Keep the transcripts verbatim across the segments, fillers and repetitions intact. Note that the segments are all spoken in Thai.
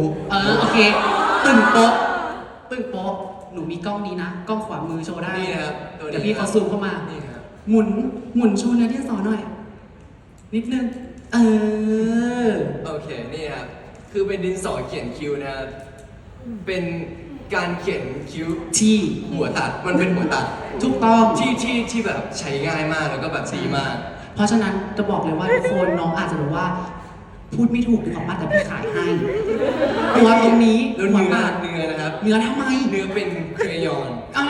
เออโอเคตึงโป๊ะตึงโป๊ะหนูมีกล้องนี้นะกล้องขวามือโชว์ได้นี่นะครับตัวนี้เดี๋ยวพี่เขาซูมเข้ามานี่ครับหมุนหมุนโชว์เนื้อที่สอหน่อย นิดนึงเออโอเคนี่ครับคือเป็นดินสอเขียนคิ้วนะครับเป็นการเขียนคิ้วที่หัวตัดมันเป็นหัวตัดถูกต้องที่ที่ที่แบบใช้ง่ายมากแล้วก็แบบดีมากเพราะฉะนั้นจะบอกเลยว่าทุกคนน้องอาจจะแบบว่า พูดไม่ถูกหรือของป้าแต่พี่ขายให้ตัวตรงนี้แล้วหัวเนื้อมากเนื้อนะครับเนื้อทำไมเนื้อเป็นเครยอนอ้าว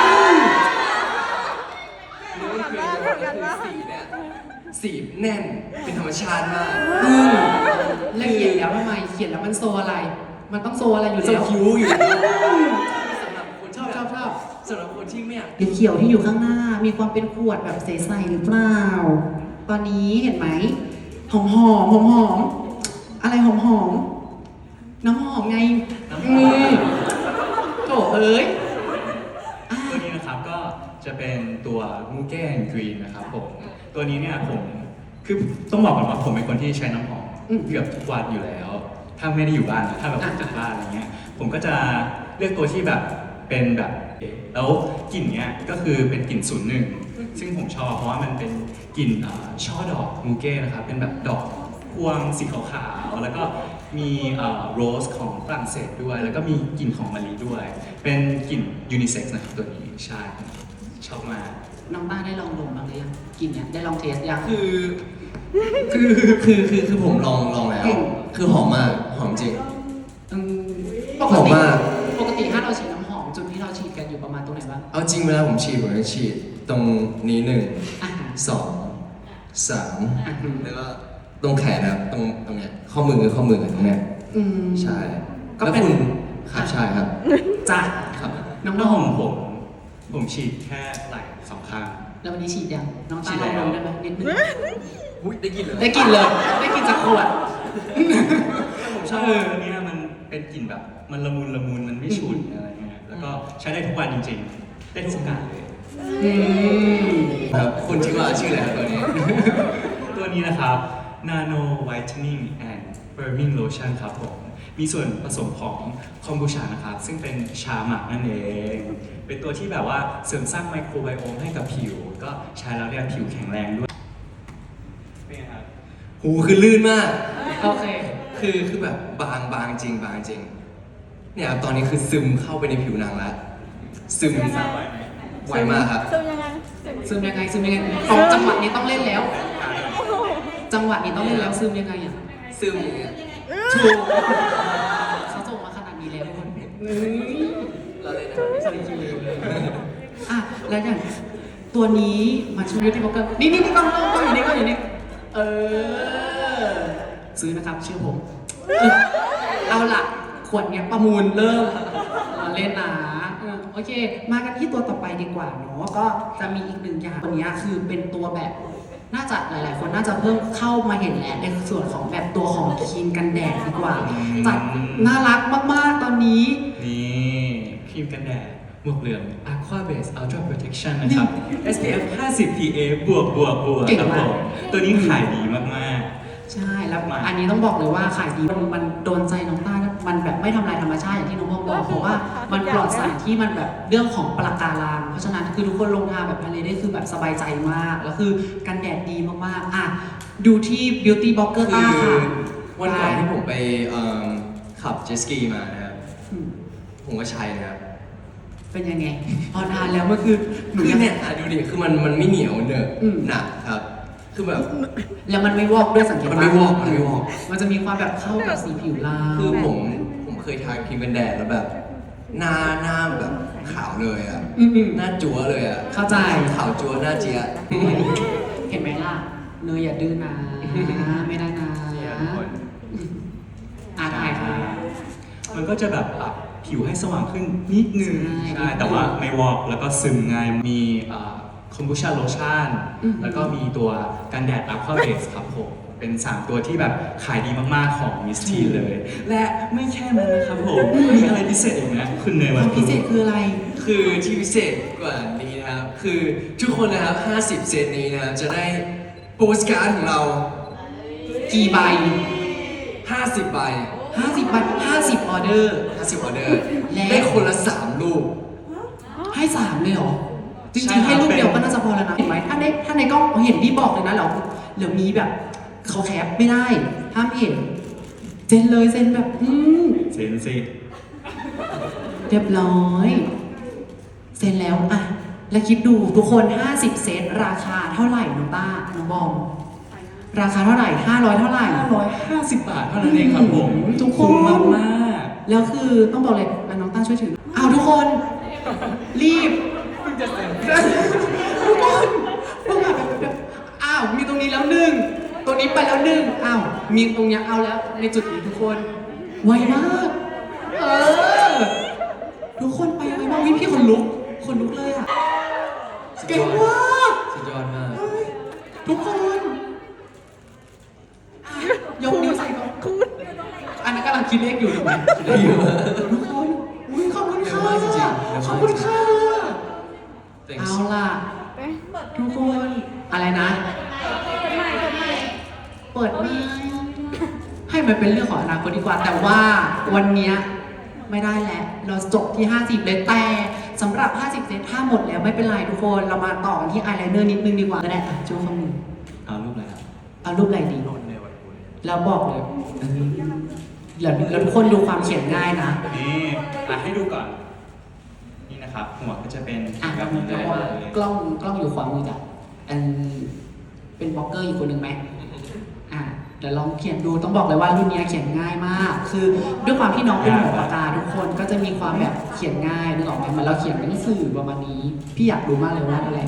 เนื้อเป็นเครยอนก็คือสีเนี่ยสีแน่นเป็นธรรมชาติมากอืมแล้วเขียนแล้วทำไมเขียนแล้วมันโซอะไร มันต้องโซอะไรอยู่เจ้าแล้วคิ้วอยู่สำหรับคนชอบชอบชอบสำหรับคนที่ไม่อยากเขียวๆที่อยู่ข้างหน้า มีความเป็นขวดแบบใสๆหรือเปล่า ตอนนี้เห็นไหมหอมหอมหอมหอมๆอะไรหอมหอมๆน้ำหอมไงอืมโถเอ้ยอ่ะตัวนี้นะครับก็จะเป็นตัวมูเก้นกรีนนะครับผมตัวนี้เนี่ยผมคือต้องบอกก่อนว่าผมเป็นคนที่ใช้น้ำหอมเกือบทุกวันอยู่แล้ว ถ้าไม่ได้อยู่บ้านนะถ้าแบบออกจากบ้านอะไรเงี้ยผมก็จะเลือกตัวที่แบบเป็นแบบแล้วกลิ่นเนี้ยก็คือเป็นกลิ่นศูนย์หนึ่งซึ่งผมชอบเพราะว่ามันเป็นกลิ่นอ่าช่อดอกมูเก้นะครับเป็นแบบดอกพวงสีขาวๆแล้วก็มีโรสของฝรั่งเศสด้วย แล้วก็มีกลิ่นของมะลิด้วย เป็นกลิ่นยูนิเซ็กซ์นะครับตัวนี้ใช่ชอบมากน้องต้าได้ลองดมบ้างหรือยังกลินเนี่ยได้ลองเทสยังคือคือคือคือคือผมลองลองแล้ว คือหอมมากหอมจริงอืมปหกอมติมากปกติถ้าเราฉีดน้ำหอมจุดที่เราฉีดกันอยู่ประมาณตรงไหนบ้างเอาจริงเวลาผมฉีดผมจะฉีดตรงนี้หนึ่งอ่ะสองสามอ่ะแล้วก็ตรงแขนนะครับตรงตรงเนี้ยข้อมือข้อมือตรงเนี้ยอืมใช่ก็แล้วเป็นคุณครับใช่ครับจ้ะครับน้องน้ำหน้อองมผมผมฉีดแค่ไหล่สองข้างแล้ววันนี้ฉีดยังน้องฉีต้าดลแล้องวดมได้ไหมนิดนึงอุ้ยได้กินเลยได้กลินเลย ได้กลินจากขวดผมชอบอันเนี้ยมันเป็นกลิ่นแบบมันละมุนละมุนมันไม่ฉุนอะไรเงี้ยแล้วก็ใช้ได้ทุกวันจริงๆ ได้ทุกโอกาสเลยอืมครับคุณชื่อว่าชื่ออะไรครับตัวนี้ตัวนี้นะครับ Nano Whitening and Firming Lotion ครับผม มีส่วนผสมของคอมบูชานะครับ ซึ่งเป็นชาหมักนั่นเอง เป็นตัวที่แบบว่าเสริมสร้างไมโครไบโอมให้กับผิว ก็ใช้แล้วเนี่ยผิวแข็งแรงด้วยเป็นไงครับหูคือลื่นมากโอเคคือคือแบบบางบางจริงบางจริง เนี่ยตอนนี้คือซึมเข้าไปในผิวหนังแล้ว ซึมทราบไหมไวมากครับซึมยังไงซึมยังไงซึมยังไงตองจังหวะนี้ต้องเล่นแล้ว จังหวะนี้ต้องเล่นแล้วซึมยังไงอ่ะซึมอย่างเงี้ยถูกเขาส่งมาขนาดนี้แล้วทุกคนเฮ้ยเราเลยนะครับสวัสดีคิวอ่ะแล้วอย่างตัวนี้มาช่วยยูทูบบอกเกอร์นี่นี่นี่กล้องกล้องกล้องอยู่นี่กล้องอยู่นี่เออซื้อนะครับเชื่อผมเออเอาล่ะขวดเนี้ยประมูลเริ่มมาเล่นนะเออโอเค มากันที่ตัวต่อไปดีกว่าเนาะก็จะมีอีกหนึ่งอย่างตัวเนี้ยคือเป็นตัวแบบ น่าจะหลาย ๆ คนน่าจะเพิ่มเข้ามาเห็นแล้วในส่วนของแบบตัวของครีมกันแดดดีกว่าจัดน่ารักมาก ๆ ตอนนี้นี่ครีมกันแดดหมวกเหลือง Aqua Base Ultra Protection นะครับ เอส พี เอฟ ห้าสิบ พี เอ บวกบวกบวกเก่งครับมากผมตัวนี้ขายดีมากใช่ แล้วมาอันนี้ต้องบอกเลยว่าขายดีมันมันโดนใจน้องต้านะมันแบบไม่ทำลายธรรมชาติอย่างที่น้องพงบอกเพราะว่ามันปลอดสารที่มันแบบเรื่องของปลาการังเพราะฉะนั้นคือทุกคนลงทาแบบทะเลได้คือแบบสบายใจมาก แล้วคือกันแดดดีมาก ๆ อ่ะ ดูที่ Beauty Blogger คืต้าอค่ะวันก่อนที่ผมไปเอิ่มขับเจตสกีมานะครับอืมผมก็ใช้นะครับเป็นยังไง พอทานแล้วมันคือหนูคือยังเนี่ยอ่ะดูดิ คือมันมันไม่เหนียวเนอะอืมหนักครับ คือแบบแล้วมันไม่วอกด้วยสังเกตมันไม่วอกมันไม่วอกมันจะมีความแบบเข้ากับสีผิวเราคือผมผมเคยทาครีมกันแดดแล้วแบบ หน้าหน้าแบบขาวเลยอ่ะอืมอืมหน้าจั๊วเลยอ่ะเข้าใจขาวจั๊วหน้าเจี๊ยะเห็นไหมล่ะ เนยอย่าดื้อนะ ไม่ได้นะๆทุกคนอ่าถ่ายค่ะมันก็จะแบบปรับผิวให้สว่างขึ้นนิดนึงใช่ใช่ แต่ว่าไม่วอกแล้วก็ซึมง่าย มีคอมบูชาโลชั่นอืมแล้วก็มีตัวกันแดด Aqua Base ครับผม เป็น สาม ตัวที่แบบขายดีมากๆของมิสทีเลย และไม่แค่นั้นนะครับผม มีอะไรพิเศษอีกนะคุณเนยควัวาน มพิเศษคืออะไรคือที่พิเศษกว่านี้นะครับ คือทุกคนนะครับ ห้าสิบ เซตนี้นะครับ จะได้โปสการ์ดของเรากี่ใบห้าสิบใบห้าสิบใบห้าสิบออเดอร์ห้าสิบออเดอร์และได้คนละสามลูกให้สามเลยเหรอ จใช่ริงๆครับให้ลูกเดียวเป็นก็น่าจะพอแล้วนะเห็นไหมถ้าในถ้าในกล้องเห็นพี่บอกเลยนะเหรอเหลือมีแบบเขาแคปไม่ได้ห้ามเห็นเซ็นเลยเซ็นแบบอืมเซนสิเรียบร้อยเซ็นแล้วอ่ะแล้วคิดดูทุกคน ห้าสิบ เซตราคาเท่าไหร่น้องต้าน้องบอมราคาเท่าไหร่ห้าร้อยเท่าไหร่ห้าร้อยห้าสิบบาทเท่านั้นเองครับผมทุกคนคุ้มมากมากแล้วคือต้องบอกเลยอ่ะน้องต้าช่วยถืออ้าวทุกคน รีบๆเพิ่งจะเสร็จทุกคนพวกแบบแบบอ้าวมีตรงนี้แล้วหนึ่งตรงนี้ไปแล้วหนึ่งอ้าวมีตรงเนี้ยเอาแล้วในจุดนี้ทุกคนไวมากเออทุกคนไปไวมากวิพี่คนลุกคนลุกเลยอ่ะเก่งมากสุดยอดมากเฮ้ยทุกคนอ่ะยกนิ้วใส่ก่อนอันนั้นกำลังคิดเลขอยู่ถูกไหมได้เยอะมากทุกคนอุ้ยขอบคุณค่ะเร็วมากจริงๆเร็วมากขอบคุณค่ะ Thanks เอาล่ะ ทุกคน อะไรนะ เปิดไม่ให้มันเป็นเรื่องของอนาคตดีกว่า แต่ว่าวันเนี้ยไม่ได้แล้ว เราจบที่ ห้าสิบ เลยแต่สำหรับ ห้าสิบ เซตถ้าหมดแล้วไม่เป็นไรทุกคน เรามาต่อกันที่อายไลเนอร์นิดนึงดีกว่าก็ได้อ่ะโจ้ข้อมือเอารูปอะไรครับเอารูปอะไรดีโน้ตในวันพุธแล้วบอกเลยเออแล้วแล้วทุกคนดูความเขียนง่ายนะนี่อ่ะให้ดูก่อน นี่นะครับ หัวก็จะเป็นอ่ะแบบนี้เลยกล้องกล้องอยู่ขวามือจ้ะอันเป็นบล็อกเกอร์อีกคนหนึ่งไหมอ่ะเดี๋ยวลองเขียนดูต้องบอกเลยว่ารุ่นนี้เขียนง่ายมาก คือด้วยความที่น้องเป็นหัวปากกาทุกคนก็จะมีความแบบเขียนง่ายนึกออกไหมเหมันเราเขียนเป็นหนังสือประมาณนี้ พี่อยากรู้มากเลยว่าอะไร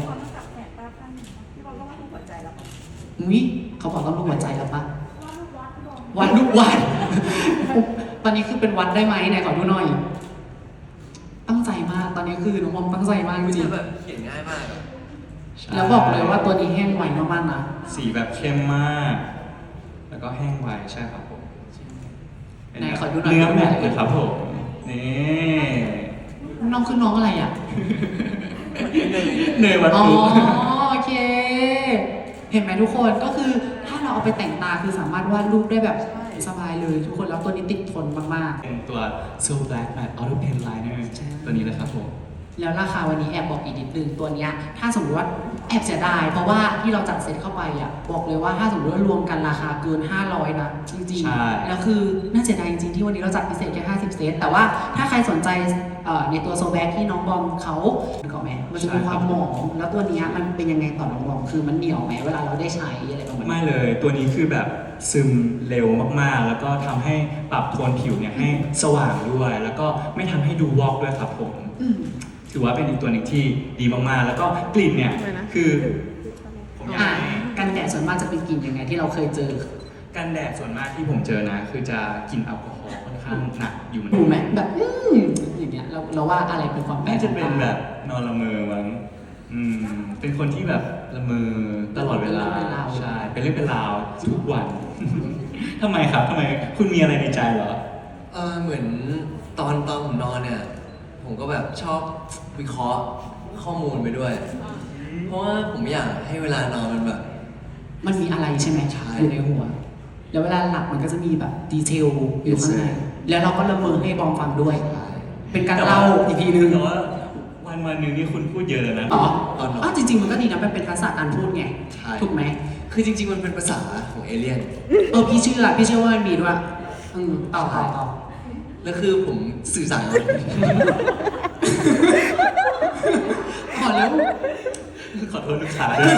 อุ้ยเขาบอกต้องรูปหัวใจแล้วปะวัดรูปวัด ตอนนี้คือเป็นวัดได้ไหมไหนขอดูหน่อย ตั้งใจมาก ตอนนี้คือน้องบอมตั้งใจมากจริงแบบเขียนง่ายมากอะใช่ๆแล้วบอกเลยว่าตัวนี้แห้งไวมากๆนะสีแบบเข้มมาก แล้วก็แห้งไวใช่ครับผมไหนขอดูหน่อยเนื้อแมทเลยครับผม นี่น้องคือน้องอะไรอ่ะเนยวัตอ๋อถุโอเค เห็นไหมทุกคนก็คือถ้าเราเอาไปแต่งตาคือสามารถวาดรูปได้แบบสบายเลยทุกคนแล้วตัวนี้ติดทนมากเป็นตัว So Black Matte Auto Pen Liner ใช่ตัวนี้เลยครับผมๆ แล้วราคาวันนี้แอบบอกอีกนิดนึงตัวเนี้ยถ้าสมมติว่าแอบเสียดายเพราะว่าที่เราจัดเซตเข้าไปอ่ะบอกเลยว่าถ้าสมมติว่ารวมกันราคาเกิน ห้าร้อย นะจริงใช่ๆแล้วคือน่าเสียดายจริงๆที่วันนี้เราจัดพิเศษแค่ห้าสิบ เซตแต่ว่าถ้าใครสนใจเอ่อในตัวโซแบกที่น้องบอมเขานึกออกไหมมันจะมีความหมองแล้วตัวเนี้ยมันเป็นยังไงต่อน้องบอมคือมันเหนียวไหมเวลาเราได้ใช้อะไรประมาณนี้ไม่เลย ตัวนี้คือแบบซึมเร็วมากๆ แล้วก็ทำให้ปรับโทนผิวเนี่ยให้สว่างด้วย แล้วก็ไม่ทำให้ดูวอกด้วยครับผมอืมถือว่าเป็นอีกตัวหนึ่งที่ดีมากๆ แล้วก็กลิ่นเนี่ย คือผมอยากอ่ะให้กันแดดส่วนมากจะเป็นกลิ่นยังไงที่เราเคยเจอกันแดดส่วนมากที่ผมเจอนะ คือจะกลิ่นแอลกอฮอล์ค่อนข้างหนักอยู่เหมือนดูกันไหมแบบอืมอย่างเงี้ยเราเราว่าอะไรเป็นความแปลกน่าจะเป็นแบบนอนละเมอมั้งอืม เป็นคนที่แบบละเมอตลอดเวลา ใช่ เป็นเรื่องเป็นราวทุกวัน ทำไมครับทำไมคุณมีอะไรในใจเหรอเออเหมือนตอนตอนผมนอนเนี่ย ผมก็แบบชอบวิเคราะห์ข้อมูลไปด้วย เพราะว่าผมอยากให้เวลานอนมันแบบมันมีอะไรใช่ไหมใช่อยู่ในหัว แล้วเวลาหลับมันก็จะมีแบบดีเทลอยู่ข้างในแล้วเราก็ละเมอให้บอมฟังด้วย เป็นการเล่าอีกทีนึงแต่ว่าวันวันหนึ่งนี่คุณพูดเยอะเลยนะอ๋อตอนนอนอ๋อจริง ๆ มันก็ดีนะมันเป็นทักษะการพูดไงใช่ถูกไหมคือจริงๆ มันเป็นภาษาของเอเลี่ยนเออพี่เชื่อพี่เชื่อว่ามันมีด้วยอืมต่อต่อต่อแล้วคือผมสื่อสารอ๋อแล้วขอโทษลูกค้าด้วย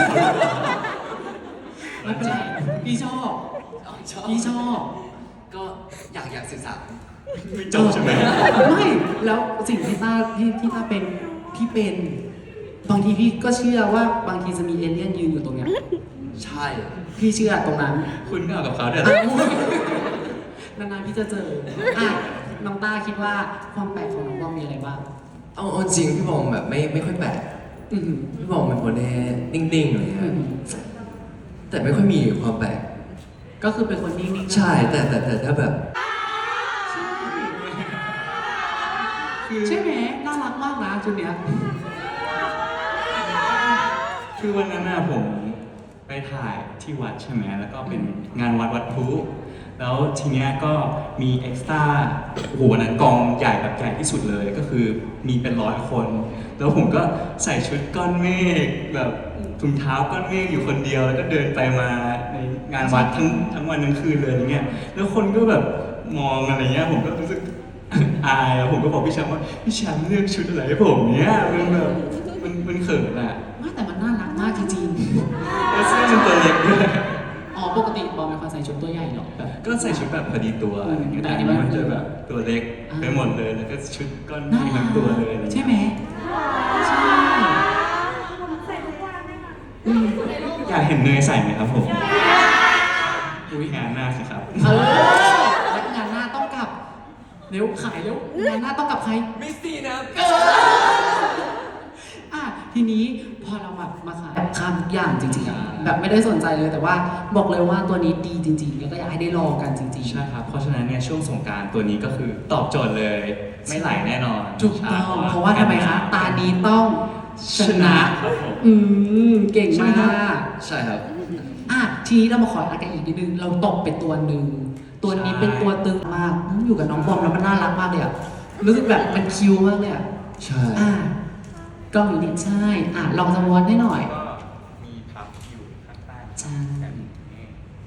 ไม่เป็นไรพี่ชอบชอบพี่ชอบก็อยากอยากสื่อสารไม่จบใช่ไหมไม่แล้วสิ่งที่ต้าที่ที่ต้าเป็นพี่เป็น บางทีพี่ก็เชื่อว่าบางทีจะมีเอเลี่ยนยืนอยู่ตรงเนี้ยใช่พี่เชื่อตรงนั้นคุณก็เอากับเขาเดี๋ยวนานๆพี่จะเจออ่ะน้องต้าคิดว่าความแปลกของน้องบอมมีอะไรบ้างเอาเอาจริงพี่บอมแบบไม่ไม่ค่อยแปลกอือหือพี่บอมเป็นคนที่นิ่งๆเลยอืฮะอหือแต่ไม่ค่อยมีความแปลกก็คือเป็นคนนิ่งๆใช่แต่แต่แต่ถ้าแบบใช่ไหมน่ารักมากนะจุดเนี้ยคือวันนั้นน่ะผมไปถ่ายที่วัดใช่ไหมแล้วก็เป็นงานวัดวัดพลุแล้วทีเนี้ยก็มีเอ็กซ์ตร้าโอ้โหวันนั้นกองใหญ่แบบใหญ่ที่สุดเลยก็คือมีเป็นร้อยคน แล้วผมก็ใส่ชุดก้อนเมฆแบบถุงเท้าก้อนเมฆอยู่คนเดียวแล้วก็เดินไปมาในงานวัดทั้งทั้งวันทั้งคืนเลยอย่างเงี้ยแล้วคนก็แบบมองอะไรเงี้ยผมก็รู้สึก อายอะผมก็บอกพี่แชมป์ว่าพี่แชมป์เลือกชุดอะไรให้ผมเนี้ยมันแบบมันมันเขินอะว่าแต่มันน่ารักมากจริงแล้วเสื้อมันตัวเล็กด้วยๆอ๋อปกติบอลเป็นคนใส่ชุดตัวใหญ่เหรอแบบก็ใส่ชุดแบบพอดีตัวอะไรเงี้ยแต่แต่อัอันนนี้นี้มันมันจะแบบตัวเล็กอ่าไปหมดเลยแล้วก็ชุดก้อนเมน่าฆรัทั้กงตัวเลยอะไรเงี้ยใช่ไหมใช่อืมอยากเห็นเนยใส่ไหมครับผมอุ้ยงานหน้าสิครับเออแล้วงานหน้าต้องกลับเร็วขายเร็วงานหน้าต้องกลับใครมิสซี่นะเอออ่ะทีนี้พอเราแบบมาขายแบบข้ามทุกอย่างจริงๆอะแบบไม่ได้สนใจเลยแต่ว่าบอกเลยว่าตัวนี้ดีจริงๆแล้วก็อยากให้ได้ลองกันจริงใช่ครับ เพราะฉะนั้นเนี่ยช่วงสงกรารตัวนี้ก็คือตอบโจทย์เลย ไม่ไหลแน่นอนๆถูกต้องเพราะว่าทำไมคะ ตานี้ต้องชชนะนะครับผมอืมเก่งมากใช่ครับอ่ะทีนี้เรามาขออากันอีกนิดนึงเราตบเป็นตัวหนึ่งตัวนี้เป็นตัวตึงมากอืมอยู่กับน้องบอมแล้วมันน่ารักมากเลยอะรู้สึกแบบมันคิวมากเลยอะใช่อ่ะกล้องอยู่นี่ใช่อ่ะลองสวอตให้หน่อยก็มีพับอยู่ข้างใต้ใช่แบบนี้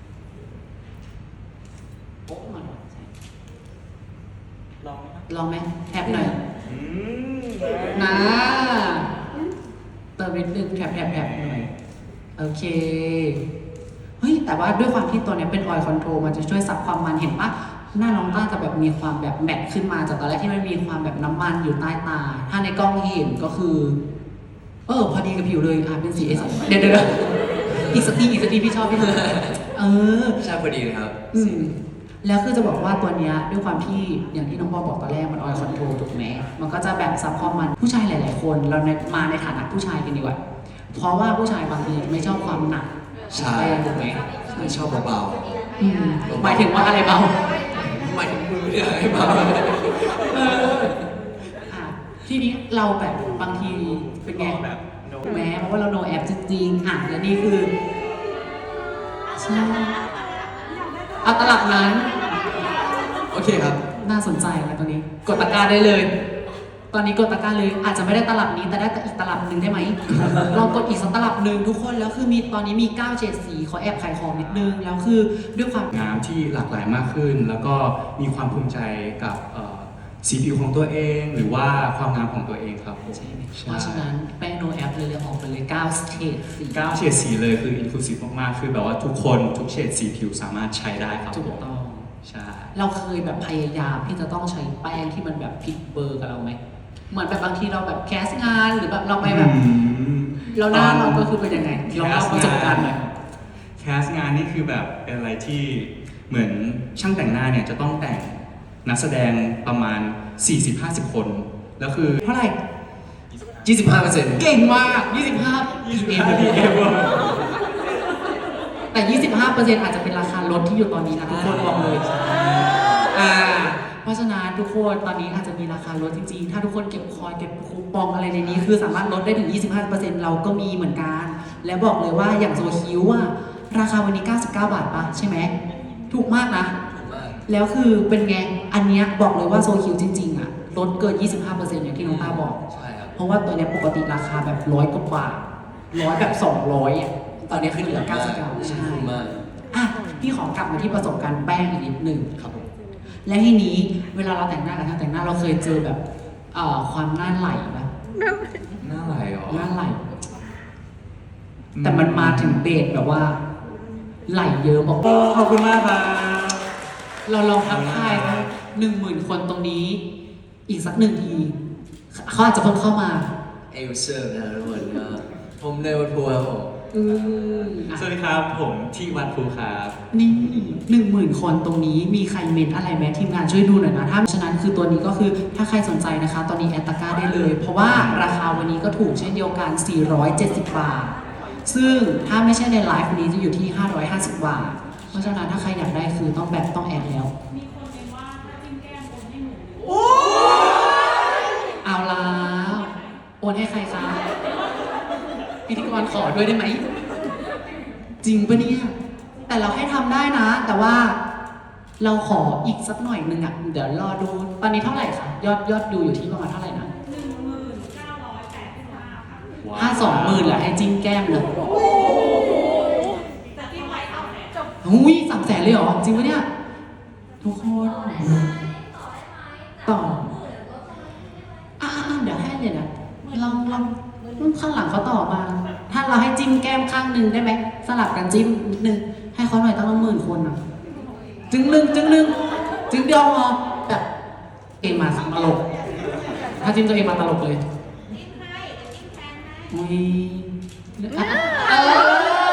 โป๊ะมาหน่อยใช่ลองไหมครับลองไหมแทบหน่อยอืมนะเติมนิดนึงแถบแถบแถบหน่อยโอเคเฮ้ยแต่ว่าด้วยความที่ตัวเนี้ยเป็นออยล์คอนโทรลมันจะช่วยซับความมันเห็นปะหน้าน้องต้าจะแบบมีความแบบแมทขึ้นมาจากตอนแรกที่มันมีความแบบน้ำมันอยู่ใต้ตา ถ้าในกล้องเห็นก็คือ เออพอดีกับผิวเลยอ่ะเป็นสีเอสเดี๋ยวเดี๋ยวเดี๋ยวอีกสักทีอีกสักทีพี่ชอบพี่ชอบเออใช่พอดีเลยครับอืมแล้วคือจะบอกว่าตัวเนี้ยด้วยความที่อย่างที่น้องบอลบอกตอนแรกมันออยคอนโทรลถูกไหมมันก็จะแบบซับความมันผู้ชายหลาย ๆ คนเราในมาในฐานะผู้ชายกันดีกว่าเพราะว่าผู้ชายบางทีไม่ชอบความหนักใช่แป้งถูกไหมไม่ชอบเบาอืมหมายถึงว่าอะไรเบาๆหมายถึงมือเนี่ยให้เบาเอออ่ะทีนี้เราแบบบางทีเป็นไงแบบโน้แม้เพราะว่าเราโนแอปจริงๆอ่ะและนี่คือใช่เอาตลับนั้นโอเคครับน่าสนใจนะตัวนี้ กดตะกร้าได้เลย ตอนนี้กดตะกร้าเลย อาจจะไม่ได้ตลับนี้แต่ได้อีกตลับหนึ่งได้ไหม ลองกดอีกสักตลับหนึ่งทุกคนแล้วคือมีตอนนี้มีเก้าเฉดสีขอแอบขายของนิดนึงแล้วคือด้วยความงามที่หลากหลายมากขึ้น แล้วก็มีความภูมิใจกับเอ่อสีผิวของตัวเอง หรือว่าความงามของตัวเองครับผมใช่ไหมเพราะฉะนั้นแป้งโนแอปเลยเลยออกไปเลยเก้าเฉดสีเก้าเฉดสีเลยคือ inclusive มากๆ คือแบบว่าทุกคนทุกเฉดสีผิวสามารถใช้ได้ครับถูผกมต้องใช่เราเคยแบบพยายามที่จะต้องใช้แป้งที่มันแบบผิดเบอร์กับเราไหมเหมือนแบบบางทีเราแบบแคสงานหรือแบบเราไปแบบอืมเราหน้าเราก็คือเป็นยังไงลองเล่าประสบการณ์หน่อยแคสงานนี่คือแบบเป็นอะไรที่เหมือนช่างแต่งหน้าเนี่ยจะต้องแต่งนักแสดงประมาณ สี่สิบห้าสิบ คน แล้วคือเท่าไหร่ยี่สิบห้าเปอร์เซ็นต์เก่งมาก ยี่สิบห้ายี่สิบห้า พี เอ็มแต่ ยี่สิบห้าเปอร์เซ็นต์ อาจจะเป็นราคารถที่อยู่ตอนนี้นะทุกคนบอกเลย อ่า เพราะฉะนั้นทุกคนตอนนี้อาจจะมีราคาลดจริงๆ ถ้าทุกคนเก็บคอยเก็บคูปองอะไรในนี้ คือสามารถลดได้ถึง ยี่สิบห้าเปอร์เซ็นต์ เราก็มีเหมือนกัน และบอกเลยว่าอย่างโซคิวอะราคาวันนี้ เก้าสิบเก้า บาทปะใช่ไหม ถูกมากนะมากแล้วคือเป็นไง อันเนี้ยบอกเลยว่าโซคิวจริงๆอะลดเกิน ยี่สิบห้าเปอร์เซ็นต์ อย่างที่น้องตาบอกใช่ครับเพราะว่าตัวเนี้ยปกติราคาแบบร้อยกว่าบาทร้อยแบบสองร้อยอ่ะ ตอนเนี้ยคือเหลือเก้าสิบเก้าใช่คุ้มมากอ่ะ พี่ขอกลับมาที่ประสบการณ์แป้งอีกนิดหนึ่งครับผมและทีนี้เวลาเราแต่งหน้ากับช่างแต่งหน้าเราเคยเจอแบบเอ่อความหน้าไหลปะหน้าไหลเหรอหน้าไหล แต่มันมาถึงเบสแบบว่า ไหลเยอะบอกโอ้ขอบคุณมากครับเราลองทักทายนะหนึ่งหมื่นคนตรงนี้ อีกสักหนึ่งทีเขาอาจจะเพิ่งเข้ามาเอลเซอร์นะทุกคนก็ผมเนวทัวร์ผมอืมอ่ะสวัสดีครับ ผมที่วัดภูครับนี่หนึ่งหมื่นคนตรงนี้มีใครเมนอะไรไหมทีมงานช่วยดูหน่อยนะถ้าฉะนั้นคือตัวนี้ก็คือถ้าใครสนใจนะคะ ตอนนี้แอดตาก้าได้เลย เพราะว่าราคาวันนี้ก็ถูกเช่นเดียวกัน สี่ร้อยเจ็ดสิบบาท ซึ่งถ้าไม่ใช่ในไลฟ์วันนี้จะอยู่ที่ ห้าร้อยห้าสิบบาท เพราะฉะนั้นถ้าใครอยากได้คือต้องแบบต้องแอดแล้วมีคนเมนว่าถ้าจิ้มแก้มโอนให้หนูเอาแล้วโอนให้ใครคะพิธีกรขอด้วยได้ไหม จริงปะเนี่ย แต่เราให้ทำได้นะ แต่ว่าเราขออีกสักหน่อยหนึงอ่ะเดี๋ยวรอดูตอนนี้เท่าไหร่คะยอดยอดดูอยู่ที่ประมาณเท่าไหร่นะหนึ่งหมื่นเก้าร้อยแปดสิบห้าค่ะถ้าสองหมื่นแหละให้จิ้มแก้มเลยแต่ที่ไว้เท่าไหร่จบหุ้ยสามแสนเลยเหรอ จริงปะเนี่ย ทุกคนต่ออ่ะอ่ะอ่ะเดี๋ยวให้เลยนะลองลองข้างหลังเขาต่อมา ถ้าเราให้จิ้มแก้มข้างหนึ่งได้ไหมสลับกันจิ้มนิดนึงให้เขาหน่อยตั้งหมื่นคนอ่ะ จึงหนึ่งจึงหนึ่งจึงเดียวพอแบบเองมาสังตลก ถ้าจิ้มตัวเองมาตลกเลยอุ้ยอ่ะเออ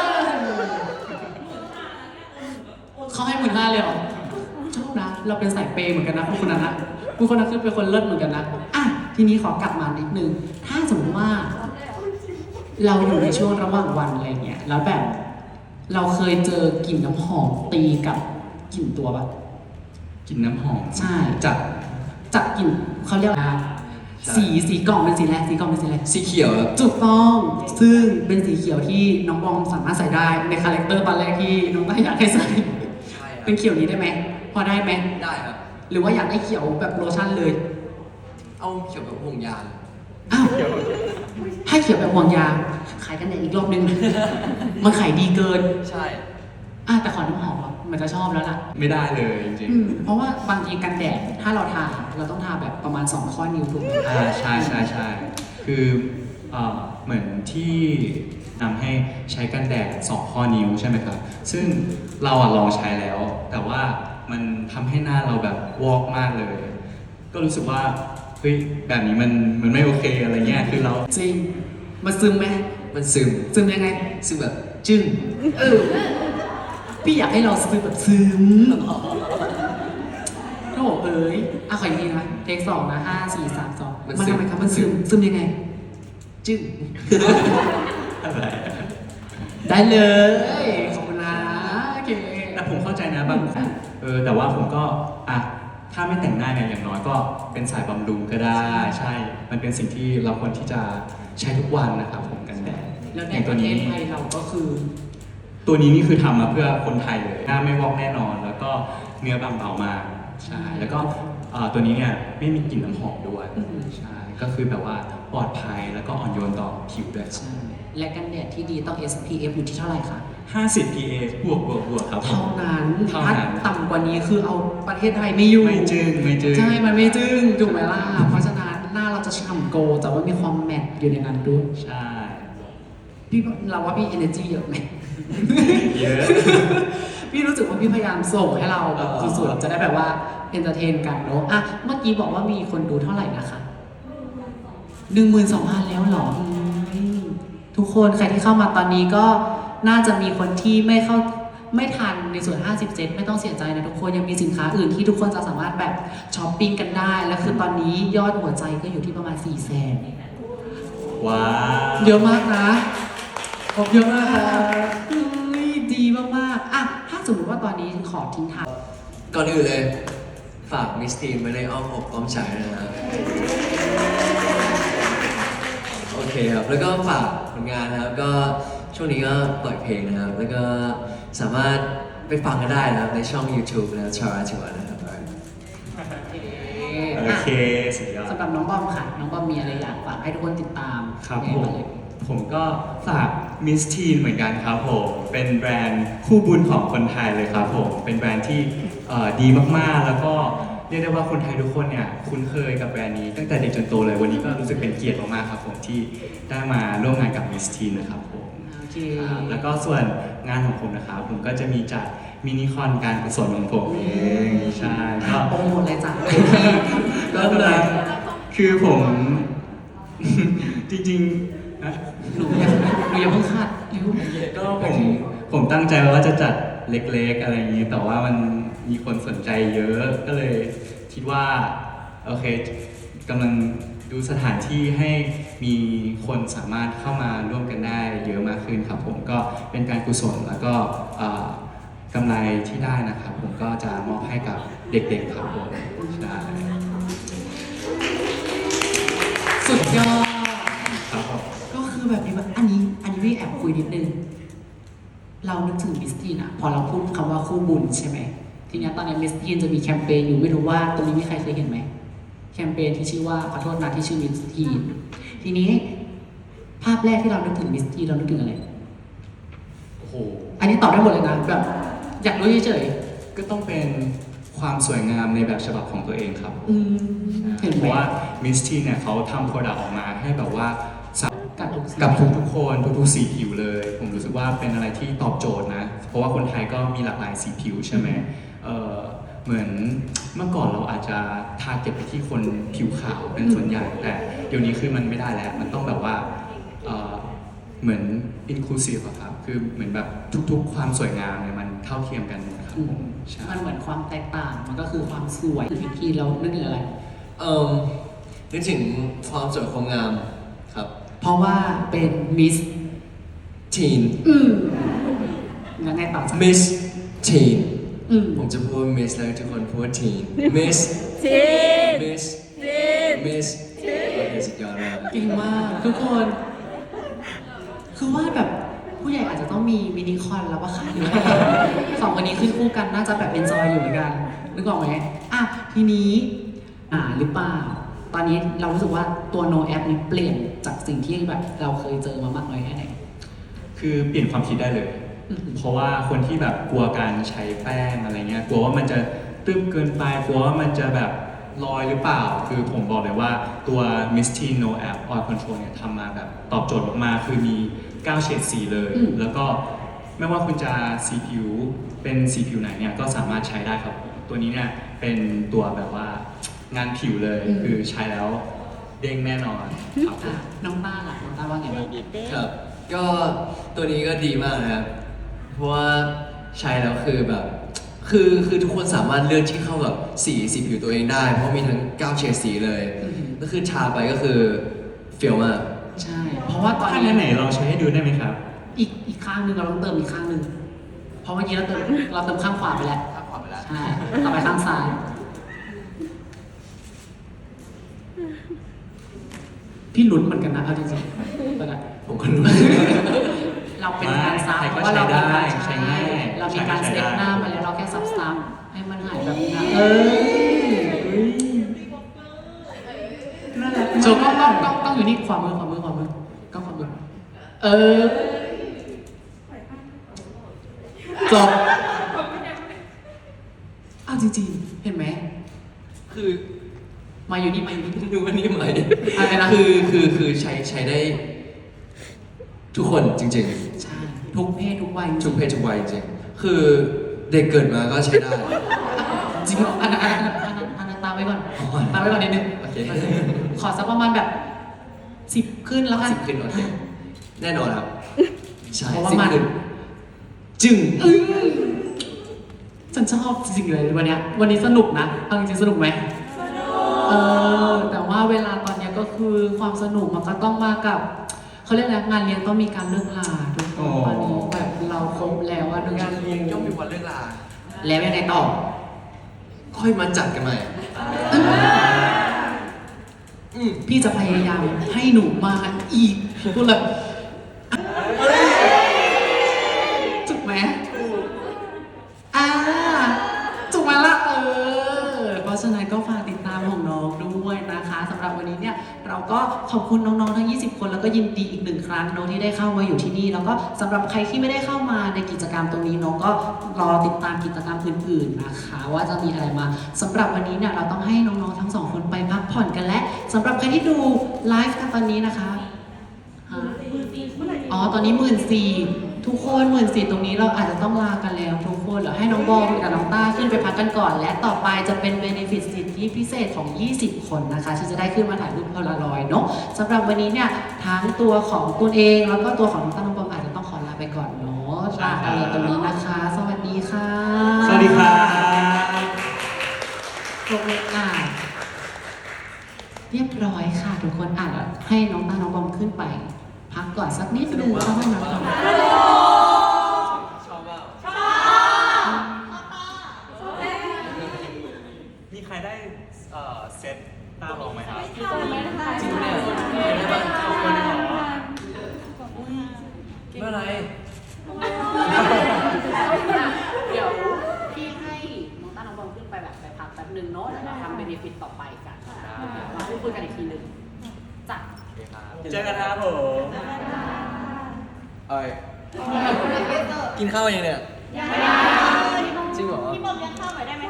เขาให้หมื่นห้าเลยเหรอชอบนะ เราเป็นสายเปย์เหมือนกันนะพวกคนนั้นนะพวกคนนั้นคือเป็นคนเลิศเหมือนกันนะอ่ะทีนี้ขอกลับมานิดนึง ถ้าสมมติว่า เราอยู่ในช่วงระหว่างวันอะไรเงี้ย แล้วแบบ เราเคยเจอกลิ่นน้ำหอมตีกับกลิ่นตัวปะกินน้ำหอมใช่จากจากกลิ่นเขาเรียกว่าสีสีกล่องเป็นสีแรกสีกล่องเป็นสีแรกสีเขียวครับถูกต้องซึ่งเป็นสีเขียวที่น้องบอมสามารถใส่ได้ในคาแรคเตอร์ตอนแรกที่น้องต้าอยากให้ใส่ใช่ครับเป็นเขียวนี้ได้ไหมพอได้ไหมได้ครับหรือว่าอยากได้เขียวแบบโลชั่นเลยเอาเขียวแบบห่วงยางอ้าวให้เขียวแบบห่วงยางขายกันเนี่ยอีกรอบนึง มันขายดีเกินใช่อ่ะแต่ขอน้ำหอมอ่ะมันจะชอบแล้วล่ะไม่ได้เลยจริงอืมเพราะว่าบางทีกันแดดถ้าเราทาเราต้องทาแบบประมาณสองข้อนิ้วถูกไหมๆอ่าใช่ใช่ใช่คือเอ่อเหมือนที่นำให้ใช้กันแดดสองข้อนิ้วใช่ไหมครับ ซึ่งเราอ่ะลองใช้แล้ว แต่ว่ามันทำให้หน้าเราแบบวอกมากเลย ก็รู้สึกว่าเฮ้ยแบบนี้มันมันไม่โอเคอะไรเงี้ยคือเราจริงมันซึมไหมมันซึมซึมยังไงซึมแบบจึงเออพี่อยากให้เราซึมแบบซึมโอ้เอ้ยอ่ะขออีกทีนะเทคสองนะห้าสี่สามสองมันทำไมครับมันซึมซึมยังไง จึงอะไรได้เลยขอบคุณนะโอเคแต่ผมเข้าใจนะบางคนเออแต่ว่าผมก็อ่ะถ้าไม่แต่งหน้าเนี่ยอย่างน้อยก็เป็นสายบำรุงก็ได้ ใช่ มันเป็นสิ่งที่เราควรที่จะใช้ทุกวันนะครับผมกันแดดแล้วอในย่างปตัวระเทนี้ศไทยเราก็คือตัวนี้นี่คือทำมาเพื่อคนไทยเลยหน้าไม่วอกแน่นอน แล้วก็เนื้อบางเบามากใช่แล้วก็เอ่อตัวนี้เนี่ยไม่มีกลิ่นน้ำหอมด้วยอืมใช่ก็คือแบบว่าปลอดภัยแล้วก็อ่อนโยนต่อผิวด้วยครับใช่และกันแดดที่ดีต้อง เอส พี เอฟ อยู่ที่เท่าไหร่คะห้าสิบ พี เอ บวกบวกบวกครับผมเท่านั้นเท่าถ้านั้นต่ำกว่านี้คือเอาประเทศไทยไม่อยู่ไม่จึงไม่จึงใช่ มันไม่จึ้งถูกไหมล่ะ เพราะฉะนั้นหน้าเราจะฉ่ำโกลด์แต่ว่ามีความแมตต์อยู่ในนั้นด้วยใช่พี่เราว่าพี่ energy เยอะไหมเยอะพี่รู้สึกว่าพี่พยายามส่งให้เราแบบสุดๆจะได้แบบว่า entertain กันเนอะอ่ะ เมื่อกี้บอกว่ามีคนดูเท่าไหร่นะคะหนึ่งหมื่นสองพันแล้วเหรออืมทุกคนใครที่เข้ามาตอนนี้ก็น่าจะมีคนที่ไม่เข้าไม่ทันในส่วน ห้าสิบเซนไม่ต้องเสียใจนะทุกคนยังมีสินค้าอื่นที่ทุกคนจะสามารถแบบช้อปปิ้งกันได้ และคือตอนนี้ยอดหัวใจก็อยู่ที่ประมาณสี่แสนว้าวเยอะมากนะขอบเยอะมากครับเฮ้ยดีมากๆอ่ะถ้าสมมติว่าตอนนี้ขอทิ้งท้ายก่อนอื่นเลย ฝากมิสทีนไว้ในอ้อมอกอ้อมใจนะครับโอเคครับ แล้วก็ฝากผลงานนะครับ ก็ช่วงนี้ก็ปล่อยเพลงนะครับ แล้วก็สามารถไปฟังกันได้นะครับในช่อง YouTube นะครับชาราจิวานะครับโอเคสุดยอดสำหรับน้องบอมค่ะ น้องบอมมีอะไรอยากฝากให้ทุกคนติดตามครับยังผไงมบ้างเลยผมก็ฝากมิสทีนเหมือนกันครับผมเป็นแบรนด์คู่บุญของคนไทยเลยครับผมเป็นแบรนด์ที่เอ่อดีมากๆ แล้วก็เรียกได้ว่าคนไทยทุกคนเนี่ยคุ้นเคยกับแบรนด์นี้ตั้งแต่เด็กจนโตเลยวันนี้ก็รู้สึกเป็นเกียรติมากๆครับผมที่ได้มาร่วมงานกับมิสทีนนะครับผมโอเคครับแล้วก็ส่วนงานของผมนะครับผมก็จะมีจัดมินิคอนการกุศลของผมเองใช่ก็โปรโมทเลยจ้ะก็เลยคือผม จริงๆนะหนูอย่าหนูอย่าเพิ่งคาดเร็วก็ผมผมตั้งใจไว้ว่าจะจัดเล็กๆอะไรอย่างนี้ แต่ว่ามันมีคนสนใจเยอะ ก็เลยคิดว่าโอเคกำลังดูสถานที่ให้มีคนสามารถเข้ามาร่วมกันได้เยอะมากขึ้นครับผมก็เป็นการกุศลแล้วก็เอ่อกำไรที่ได้นะครับผมก็จะมอบให้กับเด็กๆครับผมใช่สุดยอดครับผมก็คือแบบนี้แบบอันนี้อันนี้พี่แอบคุยนิดนึง เรานึกถึงมิสทีนอะพอเราพูดคำว่าคู่บุญใช่ไหมทีเนี้ยตอนนี้มิสทีนจะมีแคมเปญอยู่ไม่รู้ว่าตรงนี้มีใครเคยเห็นไหมแคมเปญที่ชื่อว่าขอโทษนะที่ชื่อมิสทีนทีนี้ภาพแรกที่เรานึกถึงมิสทีนเรานึกถึงอะไรโอ้โหอันนี้ตอบได้หมดเลยนะแบบอยากรู้เฉยก็ต้องเป็นความสวยงามในแบบฉบับของตัวเองครับๆอืมเห็นเพไหมราะว่ามิสทีเนี่ยเขาทำโปรดักต์ออกมาให้แบบว่าสากับทุกกับทุกทุกๆคนทุกๆสีผิวเลย ผมรู้สึกว่าเป็นอะไรที่ตอบโจทย์นะ เพราะว่าคนไทยก็มีหลากหลายสีผิวใช่ไหมเออเหมือนเมื่อก่อนเราอาจจะทาร์เก็ตไปที่คนผิวขาวเป็นส่วนใหญ่ แต่เดี๋ยวนี้คือมันไม่ได้แล้ว มันต้องแบบว่าเอ่อเหมือน inclusive อะครับ คือเหมือนแบบทุกๆ ความสวยงามเนี่ยมันเท่าเทียมกันหมดครับอืผม มใช่มันเหมือนความแตกต่างมันก็คือความสวยมิสทีนเรานึกถึงอะไรเอ่อนึกถึงความสวยความงามครับเพราะว่าเป็นมิสทีนอืมยังไงต่อจ๊ะมิสทีนอืมผมจะพูดว่ามิสแล้วทุกคนพูดว่าทีนมิสทีนมิสทีนมิสโอเคสุดยอดมากเก่งมากทุกคน คือว่าแบบผู้ใหญ่อาจจะต้องมีมินิคอนแล้วว่าค่ะหรือว่าสองคนนี้ขึ้นคู่กันน่าจะแบบเอนจอยอยู่เหมือนกันนึกออกไหมอ่ะทีนี้อ่าหรือเปล่า ตอนนี้เรารู้สึกว่าตัว no app นี้เปลี่ยนจากสิ่งที่แบบเราเคยเจอมามากน้อยแค่ไหนคือเปลี่ยนความคิดได้เลยอืมเพราะว่าคนที่แบบกลัวการใช้แป้งอะไรเงี้ย กลัวว่ามันจะตึ้มเกินไป กลัวว่ามันจะแบบลอยหรือเปล่า คือผมบอกเลยว่าตัว Mistine No App Oil Control เนี่ยทำมาแบบตอบโจทย์มากๆ คือมีเก้าเฉดสีเลยอืมแล้วก็ไม่ว่าคุณจะสีผิวเป็นสีผิวไหนเนี่ยก็สามารถใช้ได้ครับ ตัวนี้เนี่ยเป็นตัวแบบว่างานผิวเลย คือใช้แล้วเด้งแน่นอนครับผมอ่ะน้องต้าล่ะน้องต้าว่าไงบ้างครับ ก็ตัวนี้ก็ดีมากนะครับ เพราะว่าใช้แล้วคือแบบ คือคือทุกคนสามารถเลือกที่เข้ากับสีสีผิวตัวเองได้ เพราะมีทั้งเก้าเฉดสีเลยอือหือก็คือทาไปก็คือเฟีลมากใช่ เพราะว่าตอนถ้านี้งั้นไหนลองใช้ให้ดูได้ไหมครับอีกอีกข้างหนึ่งเราต้องเติมอีกข้างหนึ่งเพราะเมื่อกี้เราเติมเราเติมข้างขวาไปแล้วข้างขวาไปแล้วใช่ ต่อไปข้างซ้าย พี่ลุ้นเหมือนกันนะเอาจริงๆตอนนั้นผมก็รู้เราเป็นการซับใครเพก็ราะว่าเรามีการใช้ได้ใช้ง่ายเรามีการใช้เซได้ตหน้ามาแล้วเราแค่ซับซ้ำให้มันหายแบบนี้นะเออนั่นแหละโจก็ต้องต้องต้องอยู่นี่ขวามือขวามือขวามือก็ขวามือเออจบเอาจริงๆ เห็นไหมคือมาอยู่นี่มาอยู่นี่ดูว่านี่ไหมอะไรนะคือคือคือใช้ใช้ได้ ทุกคนจริงใช่ ทุกเพศทุกวัยๆ ทุกเพศทุกวัยจริงๆคือเด็กเกิดมาก็ใช้ได้จริงเหรออันนั้นอันนั้นอันนั้นอันนั้นตามไว้ก่อนอ๋อตามไว้ก่อนนิดนึงโอเคขอสักประมาณแบบสิบขึ้นแล้วกันสิบขึ้นโอเคแน่นอนครับ ใช่เพราะว่าสิบมันขึ้นจึงอืมฉันชอบจริงๆเลยวันเนี้ยวันนี้สนุกนะเอาจริงๆสนุกไหมสนุกเออแต่ว่าเวลาตอนเนี้ยก็คือความสนุกมันก็ต้องมากับเขาเรียกอะไรงานเลี้ยงต้องมีการเลิกลาทุกคอ๋นอตอนนี้แบบเราครบแล้วว่าหนึ่งงานเลี้ยงย่อมมีวันเลิกลาแล้วยังไงต่อค่อยมาจัดกันใหม่อืมพี่จะพยายามให้หนูมาอีกพูดเลยจุกไหมอ่าจุกมาละเออ เพราะฉะนั้นก็ฝากติดตามของน้องด้วยนะคะสำหรับวันนี้เนี่ยเราก็ขอบคุณน้องๆทั้งยี่สิบคนแล้วก็ยินดีอีกหนึ่งครั้งเน้องที่ได้เข้ามาอยู่ที่นี่แล้วก็สำหรับใครที่ไม่ได้เข้ามาในกิจกรรมตรงนี้น้องก็รอติดตามกิจกรรมอื่นๆนะคะ ว่าจะมีอะไรมาสำหรับวันนี้เนี่ยเราต้องให้น้องๆทั้งสองคนไปพักผ่อนกันและสำหรับใครที่ดูไลฟ์กันตอนนี้นะคะฮะอ๋อตอนนี้หมื่นสี่ทุกคนหมื่นสี่ตรงนี้เราอาจจะต้องลากันแล้วทุกคนเดี๋ยวให้น้องบอมกับน้องต้าขึ้นไปพักกันก่อน และต่อไปจะเป็นเบเนฟิตสิทธิพิเศษของ ยี่สิบ คนนะคะที่จะได้ขึ้นมาถ่ายรูปโพลารอยด์เนาะสำหรับวันนี้เนี่ยทั้งตัวของตัวเองแล้วก็ตัวของน้องต้าน้องบอมอาจจะต้องขอลาไปก่อนเนาะลากันเลยตรงนี้นะคะ สวัสดีค่ะสวัสดีครับโรงเรียนอ่านเรียบร้อยค่ะทุกคนอ่านแล้วให้น้องต้าน้องบอมขึ้นไป พักก่อนสักนิดนึงเข้าห้องน้ำก่อนชอบว่ามีใครได้เอ่อเซตตาลองไหมครับจริงเนี่ยเป็นไงบ้างขอบคุณนะไม่เป็นไรเดี๋ยวพี่ให้น้พูดคุยกันอีกทีหนึ่งจ้ะเจอกันครับผมเอ้ยกินข้าวยังเนี่ยยังไม่ได้จริงเหรอพี่บอมเลี้ยงข้าวหน่อยได้ไหม